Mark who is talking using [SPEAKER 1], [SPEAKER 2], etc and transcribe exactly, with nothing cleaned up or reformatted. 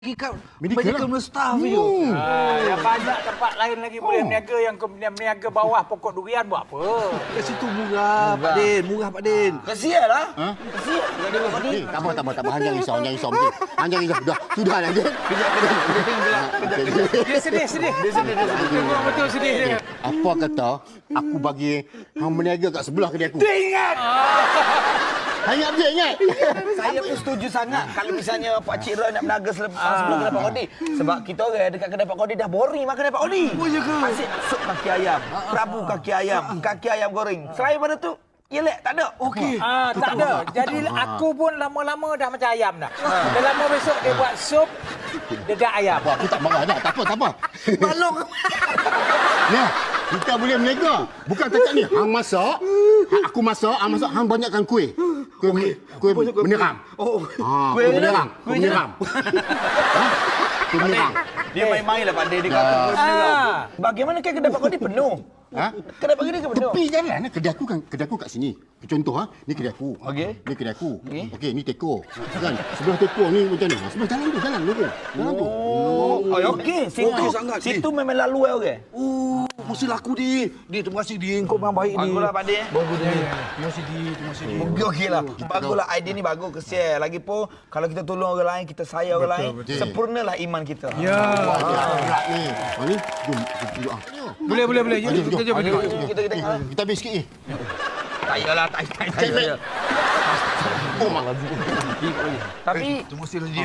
[SPEAKER 1] Medical,
[SPEAKER 2] Medical
[SPEAKER 1] medical
[SPEAKER 2] lah.
[SPEAKER 1] staff
[SPEAKER 2] Hmm.
[SPEAKER 1] itu.
[SPEAKER 3] Ah, yang banyak tempat lain lagi boleh berniaga, yang ke berniaga bawah pokok durian buat apa?
[SPEAKER 1] Kat situ murah, Pak Din. Murah, Pak Din.
[SPEAKER 4] Kesian lah.
[SPEAKER 2] Ha?
[SPEAKER 4] Kesian. Ada apa ni?
[SPEAKER 2] Eh, tak apa, tak apa, tak apa. Hang jangan risau, hang jangan risau. Mungkin. Hang jangan risau. Sudah, sudah lah, Jen.
[SPEAKER 3] Dia sedih, sedih. Dia sedih, dia sedih. Memang betul sedih dia.
[SPEAKER 2] Apa kata aku bagi hang berniaga kat sebelah kedai aku?
[SPEAKER 4] Dia ingat.
[SPEAKER 2] Hang ingat betul, ingat?
[SPEAKER 4] Saya pun setuju sangat kalau misalnya Pak Cik Roy nak berniaga sele- sebelum kedai Pak Kodi. Sebab kita orang dekat kedai Pak Kodi dah boring makan kedai Pak Kodi. Oh, ya ke? Asyik sup kaki ayam, prabu kaki ayam, kaki ayam goreng. Selain pada tu, yelek tak ada. Okey.
[SPEAKER 3] Ah, tak ada. Jadi aku pun lama-lama dah macam ayam dah. Dah lama besok dia buat sup dedak ayam.
[SPEAKER 2] Apa, aku tak marah dah. Tak apa, tak apa.
[SPEAKER 4] Balong.
[SPEAKER 2] Ya, kita boleh berniaga. Bukan takat ni. Hang masak, hang- aku masak, hang masak, hang banyakkan kuih. Kuih, kuih menerang.
[SPEAKER 4] Oh,
[SPEAKER 2] Ha,
[SPEAKER 4] kuih
[SPEAKER 2] kuih menerang.
[SPEAKER 4] kuih
[SPEAKER 2] Kuih menerang. Ha? Kuih menerang.
[SPEAKER 4] dia main-main lah Pak Dia. Dia kata
[SPEAKER 2] Ya.
[SPEAKER 4] kuih menerang.
[SPEAKER 3] Ah.
[SPEAKER 4] Bagaimana kan kedai Pak Kodi penuh?
[SPEAKER 2] Ha?
[SPEAKER 4] Kedai Pak Kodi kan penuh?
[SPEAKER 2] Tepi jalan. Kedai aku kan, kedai aku kat sini. Contoh ha, ni kedai aku.
[SPEAKER 4] Okey.
[SPEAKER 2] Ni kedai aku.
[SPEAKER 4] Okey.
[SPEAKER 2] Okey, ni teko. Kan? Sebelah teko ni macam ni. Sebelah jalan tu, jalan lurus. Jalan tu.
[SPEAKER 4] Oh, oh okey. Situ,
[SPEAKER 1] Okey sangat,
[SPEAKER 4] situ memang lalu eh orang.
[SPEAKER 1] Oh, mesti laku dia. Dia terima kasih dia. Kau memang baik ni.
[SPEAKER 4] Baguslah Pak Dia.
[SPEAKER 1] Bagus dia. Terima kasih dia. Terima kasih dia.
[SPEAKER 4] Okey okeylah. Baguslah idea ni bagus kesian. Lagipun kalau kita tolong orang lain, kita sayang orang lain,
[SPEAKER 2] betul.
[SPEAKER 4] sempurnalah iman kita.
[SPEAKER 3] Ya.
[SPEAKER 2] Wah, dia berat ni. Ha ni, jom kita doa.
[SPEAKER 3] Boleh, boleh, boleh.
[SPEAKER 2] Jom, jom.
[SPEAKER 3] Kita jom.
[SPEAKER 4] Jom, jom, kita kita
[SPEAKER 2] Eh, kita habis sikit ni.
[SPEAKER 4] tak yalah, tak tak.
[SPEAKER 2] Oh, mak.
[SPEAKER 4] Tapi
[SPEAKER 1] Terima kasih dia.